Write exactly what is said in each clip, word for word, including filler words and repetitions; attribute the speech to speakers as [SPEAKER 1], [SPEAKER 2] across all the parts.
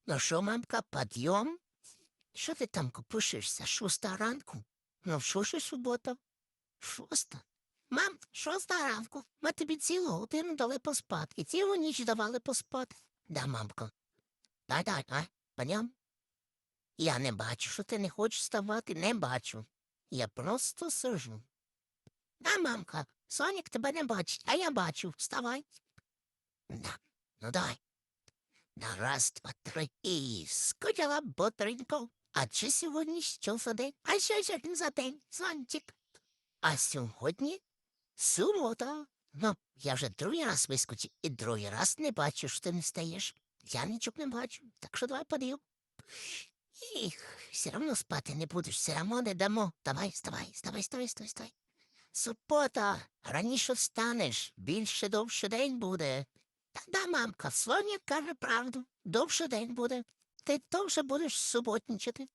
[SPEAKER 1] Ну що, мамка, підйом? Що ти там копишешся? Шоста ранку? Ну, що ж субота? Шоста? Мам, шоста ранку. Ми тобі цілу годину дали поспати. І цілу ніч давали поспати. Да, мамко. Дай, дай, а? Підйом? Я не бачу, що ти не хочеш вставати, не бачу. Я просто сижу. Да, мамка, Сонік тебе не бачить, а я бачу. Вставай. Да. Ну дай. На раз, два, три. І скучила ботренько. А чи сьогодні що за день? А що сьогодні за день, Сончик? А сьогодні субота. Ну, я вже другий раз вискочив і другий раз не бачу, що ти не стаєш. Я нічого не бачу, так що давай подив. Їх, все одно спати не будеш, все одно не дамо. Давай, вставай, вставай, вставай, вставай, вставай. Субота, раніше встанеш, більше довше день буде. Та да, мамка, Соня каже правду, довше день буде. Ти довше будеш суботничати.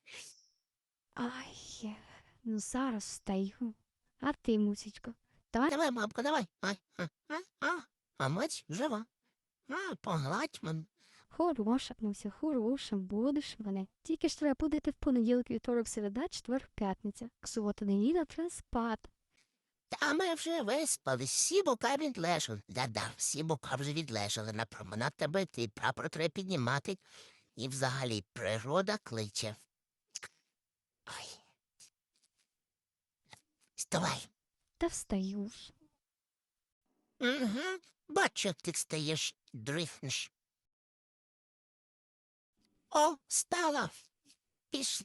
[SPEAKER 2] Ай, ну зараз встаю. А ти, мусічко, давай
[SPEAKER 1] Давай, мамка, давай. Ай, а, а, а, а мать жива. А, погладь мене.
[SPEAKER 2] хороша, Муся, хороша, будеш мене. Тільки ж треба будете в понеділок, вівторок, середа, четвер, п'ятниця. Субота, неділя, треба спати.
[SPEAKER 1] Та ми вже виспались, всі бока відлежали. Да-да, всі бока вже відлежали. На променад тебе ти прапор треба піднімати. І взагалі природа кличе. Ой. Вставай.
[SPEAKER 2] Та встаю ж.
[SPEAKER 1] Угу. Бачу, як ти стаєш, дрифнеш. О, стала. Пішли.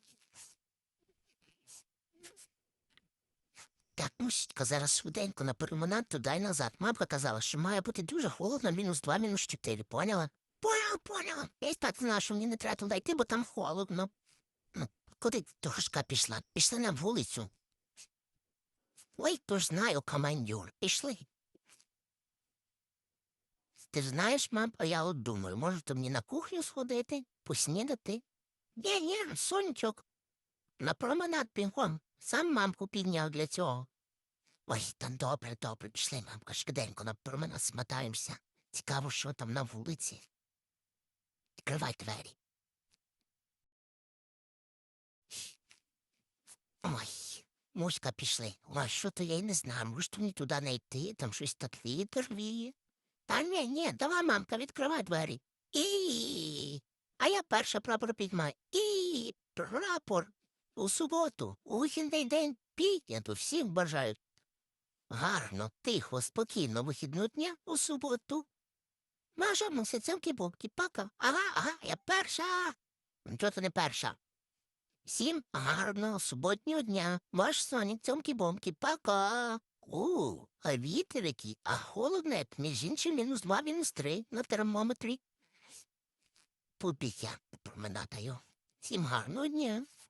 [SPEAKER 1] Так, мусітька, зараз швиденько на перемонад туди й назад. Мамка казала, що має бути дуже холодно, мінус два, мінус чотири, поняла? Поняла, поняла. Я й спати знала, що мені не треба туди йти, бо там холодно. Ну, куди дошка пішла? Пішла на вулицю. Ой, то ж знаю, командюр. Пішли. Ти ж знаєш, мам, а я от думаю, може, то мені на кухню сходити, поснідати? Ні, ні, сонечок. На променад бігом. Сам мамку підняв для цього. Ой, та добре, добре, пішли, мамка, швиденько на променад смотаємося. Цікаво, що там на вулиці. Відкривай двері. Ой, Муська, пішли. Ой, що то я й не знаю, може, то мені туди не йти, там щось так вітер віє. Та ні, ні, давай, мамка, відкривай двері. І. А я перша прапор підмаю. І прапор. У суботу, у вихідний день піднято, всім бажаю. Гарно, тихо, спокійно вихідного дня у суботу. Маша, муся, цьомки-бомки, пока. Ага, ага, я перша. Чого ти не перша? Всім гарного суботнього дня. Ваш Сонік, цьомки-бомки, пока. У, а вітер який, а холодно, як, між іншим, мінус два, мінус три на термометрі. Побіг я променадаю. Всім гарного дня.